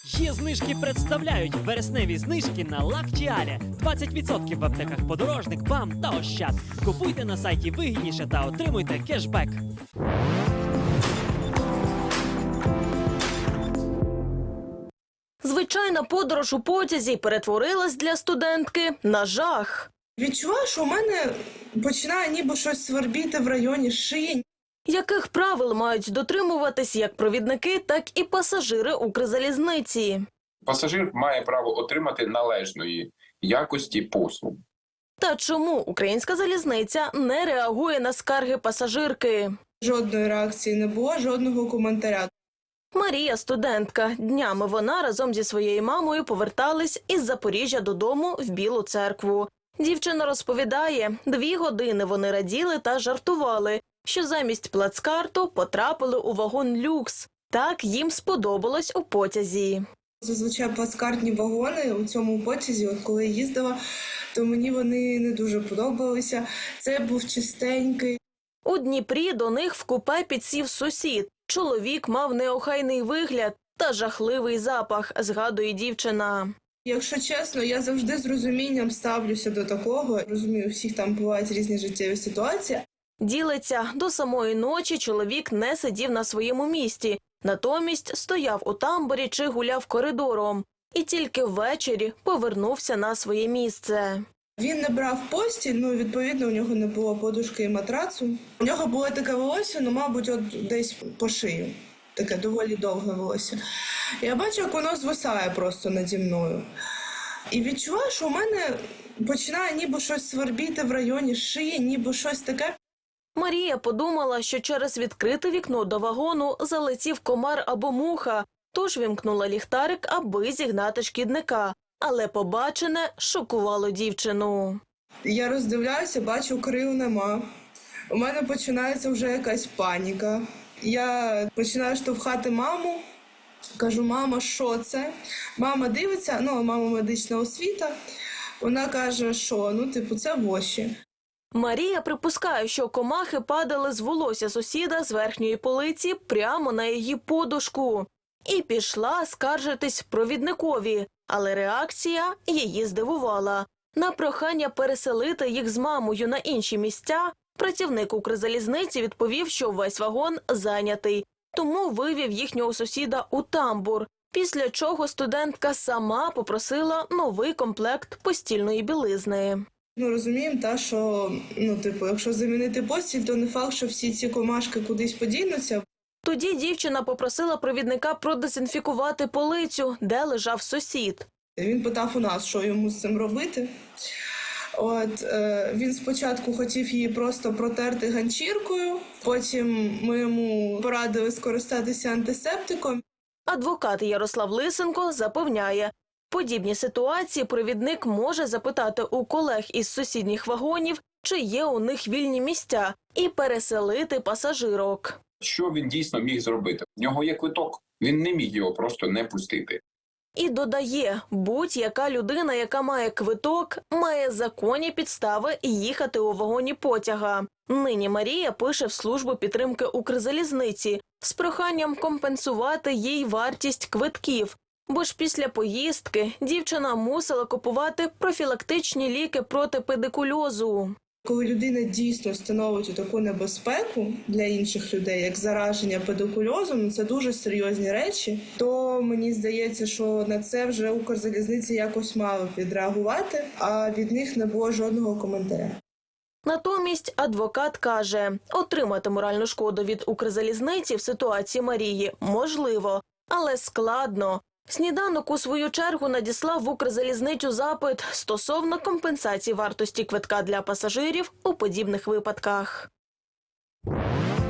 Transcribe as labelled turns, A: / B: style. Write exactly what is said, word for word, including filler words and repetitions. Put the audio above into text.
A: Є знижки представляють вересневі знижки на Лактіалі. двадцять відсотків в аптеках Подорожник, БАМ та Ощад. Купуйте на сайті вигідніше та отримуйте кешбек.
B: Звичайна подорож у потязі перетворилась для студентки на жах.
C: Відчуваю, що у мене починає ніби щось свербіти в районі шиї.
B: Яких правил мають дотримуватись як провідники, так і пасажири Укрзалізниці?
D: Пасажир має право отримати належної якості послуг.
B: Та чому Українська залізниця не реагує на скарги пасажирки?
C: Жодної реакції не було, жодного коментаря.
B: Марія – студентка. Днями вона разом зі своєю мамою повертались із Запоріжжя додому в Білу Церкву. Дівчина розповідає, дві години вони раділи та жартували, що замість плацкарту потрапили у вагон люкс. Так їм сподобалось у потязі.
C: Зазвичай плацкартні вагони у цьому потязі, от коли я їздила, то мені вони не дуже подобалися. Це був чистенький.
B: У Дніпрі до них в купе підсів сусід. Чоловік мав неохайний вигляд та жахливий запах, згадує дівчина.
C: Якщо чесно, я завжди з розумінням ставлюся до такого. Розумію, у всіх там бувають різні життєві ситуації.
B: Ділиться, до самої ночі чоловік не сидів на своєму місці, натомість стояв у тамбурі чи гуляв коридором. І тільки ввечері повернувся на своє місце.
C: Він не брав постіль, ну, відповідно, у нього не було подушки і матрацу. У нього було таке волосся, ну, мабуть, от десь по шию. Таке доволі довге волосся. Я бачу, як воно звисає просто наді мною. І відчуваю, що у мене починає ніби щось свербіти в районі шиї, ніби щось таке.
B: Марія подумала, що через відкрите вікно до вагону залетів комар або муха, тож вімкнула ліхтарик, аби зігнати шкідника. Але побачене шокувало дівчину.
C: Я роздивляюся, бачу, крил нема. У мене починається вже якась паніка. Я починаю штовхати маму, кажу: мама, що це? Мама дивиться, ну, мама медична освіта. Вона каже, що, ну, типу, це воші.
B: Марія припускає, що комахи падали з волосся сусіда з верхньої полиці прямо на її подушку. І пішла скаржитись провідникові, але реакція її здивувала. На прохання переселити їх з мамою на інші місця працівник Укрзалізниці відповів, що весь вагон зайнятий, тому вивів їхнього сусіда у тамбур, після чого студентка сама попросила новий комплект постільної білизни.
C: Ну, розуміємо, та, що, ну, типу, якщо замінити постіль, то не факт, що всі ці комашки кудись подінуться.
B: Тоді дівчина попросила провідника продезінфікувати полицю, де лежав сусід.
C: Він питав у нас, що йому з цим робити. От, е, він спочатку хотів її просто протерти ганчіркою, потім ми йому порадили скористатися антисептиком.
B: Адвокат Ярослав Лисенко запевняє, подібні ситуації провідник може запитати у колег із сусідніх вагонів, чи є у них вільні місця, і переселити пасажирок.
D: Що він дійсно міг зробити? В нього є квиток, він не міг його просто не пустити.
B: І додає, будь-яка людина, яка має квиток, має законні підстави їхати у вагоні потяга. Нині Марія пише в службу підтримки Укрзалізниці з проханням компенсувати їй вартість квитків, бо ж після поїздки дівчина мусила купувати профілактичні ліки проти педикульозу.
C: Коли людина дійсно становить таку небезпеку для інших людей, як зараження педикульозом, це дуже серйозні речі, то мені здається, що на це вже Укрзалізниця якось мала б відреагувати, а від них не було жодного коментаря.
B: Натомість адвокат каже, отримати моральну шкоду від Укрзалізниці в ситуації Марії можливо, але складно. Сніданок у свою чергу надіслав в Укрзалізницю запит стосовно компенсації вартості квитка для пасажирів у подібних випадках.